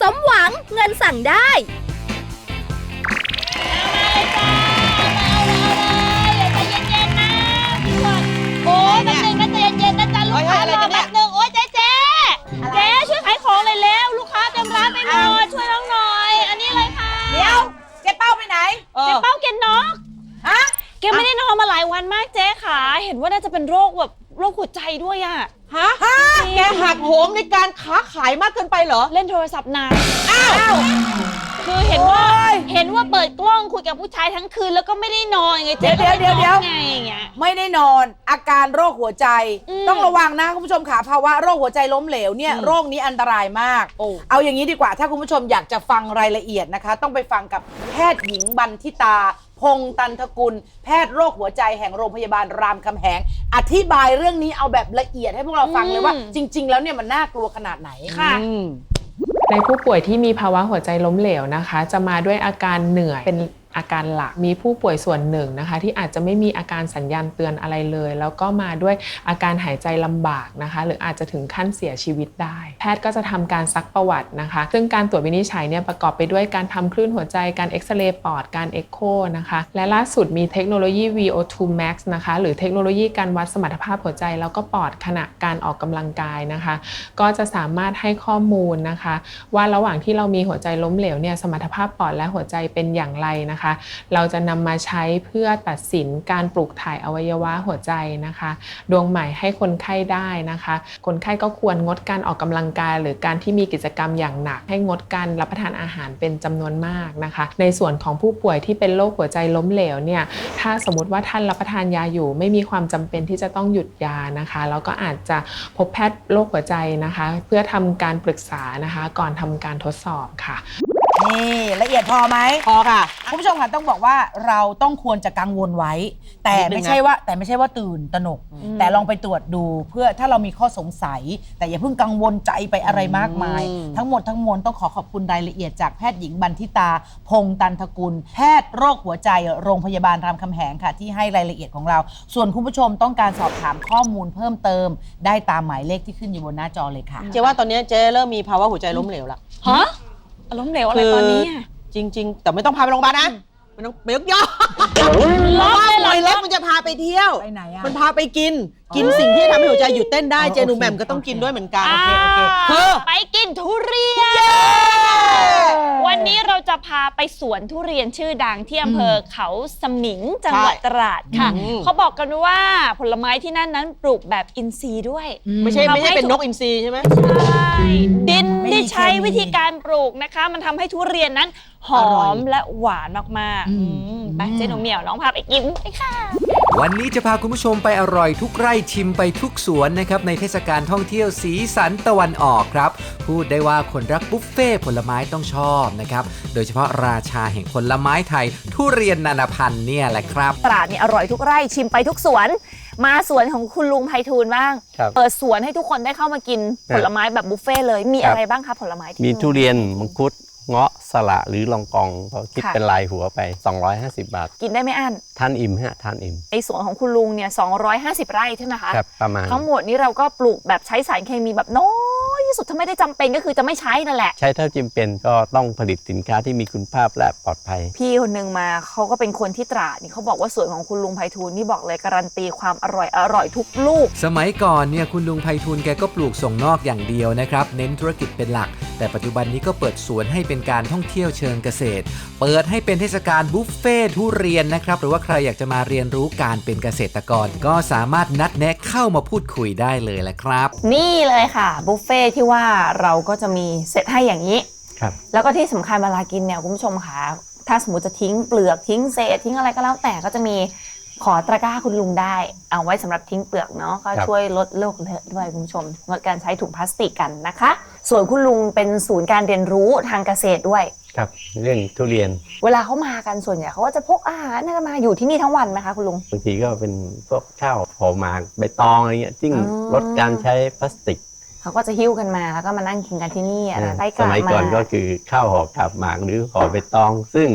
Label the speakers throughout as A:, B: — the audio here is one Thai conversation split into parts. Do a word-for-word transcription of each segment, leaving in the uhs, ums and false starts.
A: มหวังเงินสั่งได้
B: โอ้ยแป๊บนึงนะใจเย็นๆนะจ๊ะลูกค้ารอแป๊บนึงโอ้ยเจ๊เจ๊เจ๊ช่วยขายของเลยเร็วลูกค้าเต็มร้านไปหมดช่วยน้องหน่อยอันนี้เลยค่ะ
C: เดี๋ยวเจ๊เป้าไปไหน
B: เจ๊เป้าเกนน็อก
C: ฮะ
B: แกไม่ได้นอนมาหลายวันมากเจ๊ขาเห็นว่าน่าจะเป็นโรคแบบโรคหัวใจด้วยอะ
D: ฮะแกหักโหมในการค้าขายมากเกินไปเหรอ
B: เล่นโทรศัพท์นานอ้าวคือเห็นว่าเห็นว่าเปิดกล้องคุยกับผู้ชายทั้งคืนแล้วก็ไม่ได้นอนไงเจ๊
C: เดี๋ยวเดี๋ยวเดี๋ยว
B: ไงอย่างเงี้ย
C: ไม่ได้นอนอาการโรคหัวใจต้องระวังนะคุณผู้ชมค่ะภาวะโรคหัวใจล้มเหลวเนี่ยโรคนี้อันตรายมากเอาอย่างนี้ดีกว่าถ้าคุณผู้ชมอยากจะฟังรายละเอียดนะคะต้องไปฟังกับแพทย์หญิงบันทิตาพงษ์ตันทกุลแพทย์โรคหัวใจแห่งโรงพยาบาลรามคำแหงอธิบายเรื่องนี้เอาแบบละเอียดให้พวกเราฟังเลยว่าจริงๆแล้วเนี่ยมันน่ากลัวขนาดไหน
B: ค่ะ
E: ในผู้ป่วยที่มีภาวะหัวใจล้มเหลวนะคะจะมาด้วยอาการเหนื่อยเป็นอาการหลักมีผู้ป่วยส่วนหนึ่งนะคะที่อาจจะไม่มีอาการสัญญาณเตือนอะไรเลยแล้วก็มาด้วยอาการหายใจลำบากนะคะหรืออาจจะถึงขั้นเสียชีวิตได้แพทย์ก็จะทำการซักประวัตินะคะซึ่งการตรวจวินิจฉัยเนี่ยประกอบไปด้วยการทำคลื่นหัวใจการเอ็กซเรย์ปอดการเอ็กโคนะคะและล่าสุดมีเทคโนโลยี วี โอ ทู แม็กซ์ นะคะหรือเทคโนโลยีการวัดสมรรถภาพหัวใจแล้วก็ปอดขณะการออกกำลังกายนะคะก็จะสามารถให้ข้อมูลนะคะว่าระหว่างที่เรามีหัวใจล้มเหลวเนี่ยสมรรถภาพปอดและหัวใจเป็นอย่างไรนะคะเราจะนำมาใช้เพื่อตัดสินการปลูกถ่ายอวัยวะหัวใจนะคะดวงใหม่ให้คนไข้ได้นะคะคนไข้ก็ควรงดการออกกำลังกายหรือการที่มีกิจกรรมอย่างหนักให้งดการรับประทานอาหารเป็นจำนวนมากนะคะในส่วนของผู้ป่วยที่เป็นโรคหัวใจล้มเหลวเนี่ยถ้าสมมติว่าท่านรับประทานยาอยู่ไม่มีความจำเป็นที่จะต้องหยุดยานะคะแล้วก็อาจจะพบแพทย์โรคหัวใจนะคะเพื่อทำการปรึกษานะคะก่อนทำการทดสอบค่ะ
C: นี่ละเอียดพอไหม
D: พอค่ะ
C: คุณผู้ชมค่ะต้องบอกว่าเราต้องควรจะกังวลไว้แต่ไม่ใช่ว่าแต่ไม่ใช่ว่าตื่นตระหนกแต่ลองไปตรวจดูเพื่อถ้าเรามีข้อสงสัยแต่อย่าเพิ่งกังวลใจไปอะไรมากมายทั้งหมดทั้งมวลต้องขอขอบคุณรายละเอียดจากแพทย์หญิงบันทิตาพงษ์ตันทกุลแพทย์โรคหัวใจโรงพยาบาลรามคำแหงค่ะที่ให้รายละเอียดของเราส่วนคุณผู้ชมต้องการสอบถามข้อมูลเพิ่มเติมได้ตามหมายเลขที่ขึ้นอยู่บนหน้าจอเลยค่ะ
D: เจ๊ว่าตอนนี้เจ๊เริ่มมีภาวะหัวใจล้มเหลวแล้ว
B: ฮะล้มเหลวอะไรตอนนี้
D: จริงๆแต่ไม่ต้องพาไปโรงพยาบาลนะมันต้องไปยกย่อล็อกเลยล็อกมันจะพาไปเที่ยว
C: ไปไหนอ่ะ
D: มันพาไปกินกินสิ่งที่ทำให้หัวใจหยุดเต้นได้เจนูแหม่มก็ต้องกินด้วยเหมือนกัน
B: เธอไปกินทุเรียนวันนี้เราจะพาไปสวนทุเรียนชื่อดังที่อำเภอเขาสมิงจังหวัดตราดค่ะเขาบอกกันว่าผลไม้ที่นั่นนั้นปลูกแบบอินทรีย์ด้วย
D: ไม่ใช่ไม่ใช่เป็นนกอินทรีย์ใช่ไหม
B: ใช่ดินที่ใช้วิธีการปลูกนะคะมันทำให้ทุเรียนนั้นหอมและหวานมากๆไปเจ๊หนูเหมียวน้องพาไปกินไปค่ะ
F: วันนี้จะพาคุณผู้ชมไปอร่อยทุกไร่ชิมไปทุกสวนนะครับในเทศกาลท่องเที่ยวสีสันตะวันออกครับพูดได้ว่าคนรักบุฟเฟ่ผลไม้ต้องชอบนะครับโดยเฉพาะราชาแห่งผลไม้ไทยทุเรียนนานาพันธุ์เนี่ยแหละครับ
A: ตราดนี่อร่อยทุกไร่ชิมไปทุกสวนมาสวนของคุณลุงไพฑูรย์บ้างเปิดสวนให้ทุกคนได้เข้ามากินผลไม้แบบบุฟเฟ่เลยมีอะไรบ้างคะผลไม้
G: มีทุเรียนมังคุดเงาะสละหรือลองกองเขาคิดเป็นลายหัวไปสองร้อยห้าสิบบาท
A: กินได้ไม่อั้น
G: ท่านอิ่มฮะท่านอิ่ม
A: ไอสวนของคุณลุงเนี่ยสองร้อยห้าสิบไร่ใช่ไหมคะ
G: ครับประมาณ
A: ทั้งหมดนี้เราก็ปลูกแบบใช้สารเคมีแบบน้อยที่สุดถ้าไม่ได้จำเป็นก็คือจะไม่ใช้นั่นแหละ
G: ใช้เท่าจำเป็นก็ต้องผลิตสินค้าที่มีคุณภาพและปลอดภัย
A: พี่คนนึงมาเขาก็เป็นคนที่ตราดนี่เขาบอกว่าสวนของคุณลุงไพฑูรย์นี่บอกเลยการันตีความอร่อยอร่อยทุกลูก
F: สมัยก่อนเนี่ยคุณลุงไพฑูรย์แกก็ปลูกส่งนอกอย่างเดียวนะครับเน้นธุรกิจเป็นหลักแต่ปัจจุบันนี้ก็เปิดสวนให้เป็นการท่องเที่ยวเชิงเกษตรเปิดให้เป็นเทศกาลบุฟเฟ่ทุเรียนนะครับหรือว่าใครอยากจะมาเรียนรู้การเป็นเกษตรกรก็สามารถนัดแนะเข้ามาพูดคุยได้เลยแหละครับ
A: นี่เลยค่ะบุฟเฟ่ที่ว่าเราก็จะมีเซตให้อย่างนี้
G: ครับ
A: แล้วก็ที่สำคัญเวลากินเนี่ยคุณผู้ชมค่ะถ้าสมมติจะทิ้งเปลือกทิ้งเศษทิ้งอะไรก็แล้วแต่ก็จะมีขอตะกร้าคุณลุงได้เอาไว้สำหรับทิ้งเปลือกเนาะก็ช่วยลดโลกเลอะด้วยคุณผู้ชมงดการใช้ถุงพลาสติกกันนะคะส่วนคุณลุงเป็นศูนย์การเรียนรู้ทางเกษตรด้วย
G: ครับเรื่องทุเรียน
A: เวลาเขามากันส่วนใหญ่เขาก็จะพกอาหารนะมาอยู่ที่นี่ทั้งวันไหมคะคุณลุง
G: บางทีก็เป็นพวกข้าวหอมหมากใบตองอะไรเงี้ยซึ่งลดการใช้พลาสติก
A: เขาก็จะหิ้วกันมาแล้วก็มานั่งกินกันที่นี่อะไรใต้กา
G: สมัยก่อนก็คือข้าวห่อกาบหมากหรือห่อใบตองซึ่ง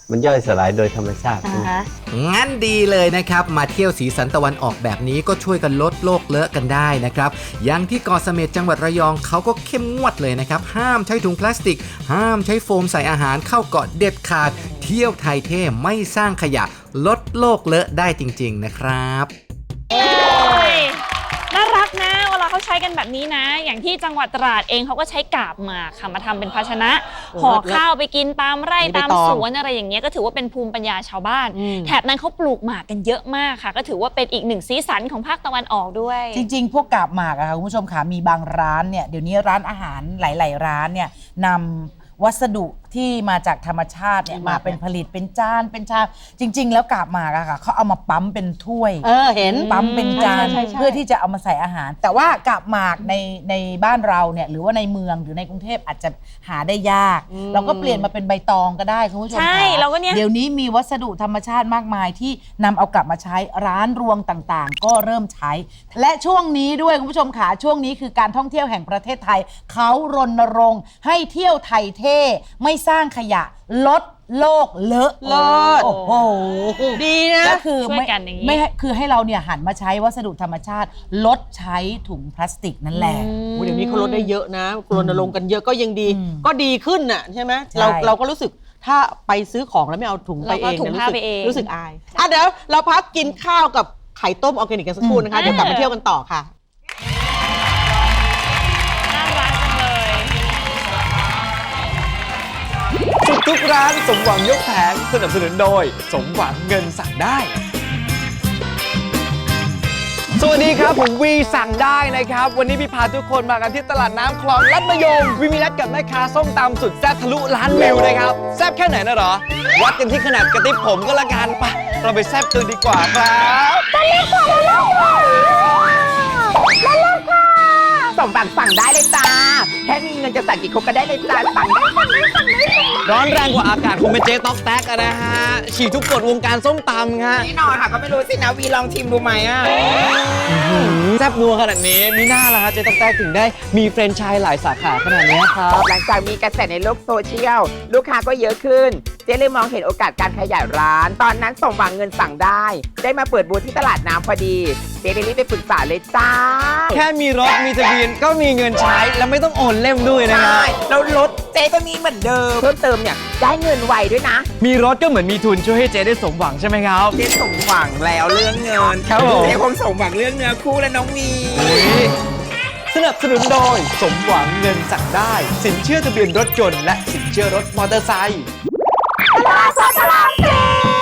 G: มันย่อยสลายโดยธรรมชาติ
A: อ่าฮะ
F: งั้นดีเลยนะครับ มาเที่ยวสีสันตะวันออกแบบนี้ก็ช่วยกันลดโลกเลอะกันได้นะครับอย่างที่เกาะเสม็ดจังหวัดระยองเขาก็เข้มงวดเลยนะครับห้ามใช้ถุงพลาสติก ห้ามใช้โฟมใส่อาหารเข้าเกาะเด็ดขาด เที่ยวไทยเท่ไม่สร้างขยะลดโลกเลอะได้จริงๆนะครับ
B: โอ้ยน่ารักนะเวลาเขาใช้กันแบบนี้นะ อย่างที่จังหวัดตราดเองเขาก็ใช้กาบหมากค่ะมาทำเป็นภาชนะ
D: โอ้
B: ห่อ
D: เลิศ
B: ข้าวไปกินตามไร่
D: มีใบ
B: ตาม
D: ตอง
B: สวนอะไรอย่างเงี้ยก็ถือว่าเป็นภูมิปัญญาชาวบ้าน
D: อืม
B: แถบนั้นเขาปลูกหมากกันเยอะมากค่ะ ก็ถือว่าเป็นอีกหนึ่งสีสันของภาคตะวันออกด้วย
C: จริงๆ พวกกาบหมากอะค่ะคุณผู้ชมค่ะมีบางร้านเนี่ยเดี๋ยวนี้ร้านอาหารหลายๆร้านเนี่ยนำวัสดุที่มาจากธรรมชาติเนี่ยมาเป็นผลิตเป็นจานเป็นชามจริง ๆ แล้วกาบหมากอะค่ะเขาเอามาปั๊มเป็นถ้วย
D: เออเห็น
C: ปั๊มเป็นจาน
D: ใช่ใช่ใช่
C: เพื่อที่จะเอามาใส่อาหาร แต่ว่ากาบหมากในในบ้านเราเนี่ยหรือว่าในเมืองหรือในกรุงเทพอาจจะหาได้ยาก เราก็เปลี่ยนมาเป็นใบตองก็ได้คุณผู้ชม
B: ใช่
C: ค่ะ
B: เราก็เนี่ย
C: เดี๋ยวนี้มีวัสดุธรรมชาติมากมายที่นำเอากลับมาใช้ร้านรวงต่างๆ ก็เริ่มใช้ และช่วงนี้ด้วยคุณผู้ชมค่ะช่วงนี้คือการท่องเที่ยวแห่งประเทศไทยเขารณรงค์ให้เที่ยวไทยเท่ไม่สร้างขยะลดโลกเลอะ
D: เลิศ
C: โอ้โห
D: ดีนะ
C: ก็คือ
B: ช่วย
C: ไม่
B: กันอย่างนี้
C: ไม่ให้คือให้เราเนี่ยหันมาใช้วัสดุธรรมชาติ ลดใช้ถุงพลาสติกนั่นแหละ
D: โอ้เดี๋ยวนี้เขาลดได้เยอะนะรณรงค์กันเยอะก็ยังดี
C: อืม
D: ก็ดีขึ้นน่ะใช่ไหม
C: ใช่
D: เราเราก็รู้สึกถ้าไปซื้อของแล้วไม่เอาถุงไป
B: เรา
D: เอ
B: ก็
D: ง
B: ถุง
D: นี่ย
B: ผ้า
D: รู้สึก
B: ไปเอง
D: รู้สึกอายอ่ะเดี๋ยวเราพักกินข้าวกับไข่ต้มออร์แกนิกกันสักครู่นะคะ
B: อืม
D: เดี๋ยวกลับมาเที่ยวกันต่อค่ะ
B: น่ารักจังเลย
H: สุดทุกร้านสมหวังยกแผงสนับสนุนโดย สมหวังเงินสั่งได้ สวัสดีครับ ผมวีสั่งได้นะครับ วันนี้พี่พาทุกคนมากันที่ตลาดน้ำคลองลัดมะยมวีมีนัดกับแม่ค้าส้มตำสุดแซ่บทะลุล้านวิวนะครับแซ่บแค่ไหนนะเหรอ วัดกันที่ขนาดกระติบผมก็แล้วกันไปะเราไปแซ่บตัวดีกว่าครับ
I: สมบัติสั่งได้เลยจ้า แค่มีเงินจะสั่งกี่ครกก็ได้เลยจ้า สั่งได้สั่งได้สั่งได้
H: ร้อนแรงกว่าอากาศคงเป็นเจ๊ต๊อกแต๊กอะนะฮะฉีกทุกกฎวงการส้มตำฮะ
I: แน่นอนค่ะ ก็ไม่รู้สินะวีลองชิมดูไหมอ่ะ
H: แซ่บนัวขนาดนี้มีหน้าละฮะเจ๊ต๊อกแต๊กถึงได้มีแฟรนไชส์หลายสาขาขนาดนี้ครับ
I: หลังจากมีกระแสในโลกโซเชียล ลูกค้าก็เยอะขึ้น เจ๊เลยมองเห็นโอกาสการขยายร้าน ตอนนั้นสมหวังเงินสั่งได้ ได้มาเปิดบูธที่ตลาดน้ำพอดี เจ๊เลยรีบไปปรึกษาเลยจ้า
H: แค่มีรถมีทะเบียนก็มีเงินใช้ แล้วไม่ต้องโอนเล่มด้วยนะฮะ
I: ใช่แล้วรถเจ๊ก็มีเหมือนเดิม เพิ่มเติมเนี่ยได้เงินไวด้วยนะ
H: มีรถก็เหมือนมีทุนช่วยให้เจ๊ได้สมหวังใช่ไหมครับ
I: เจ๊สมหวังแล้วเรื่องเงิน
H: ครับผม
I: เจ๊คงสมหวังเรื่องเนื้อคู่และน้องวี
H: สนับสนุนโดยสมหวังเงินสั่งได้ สินเชื่อทะเบียนรถยนต์และสินเชื่อรถมอเตอร์ไซค์
I: ตลาดสดตลาดเจ๊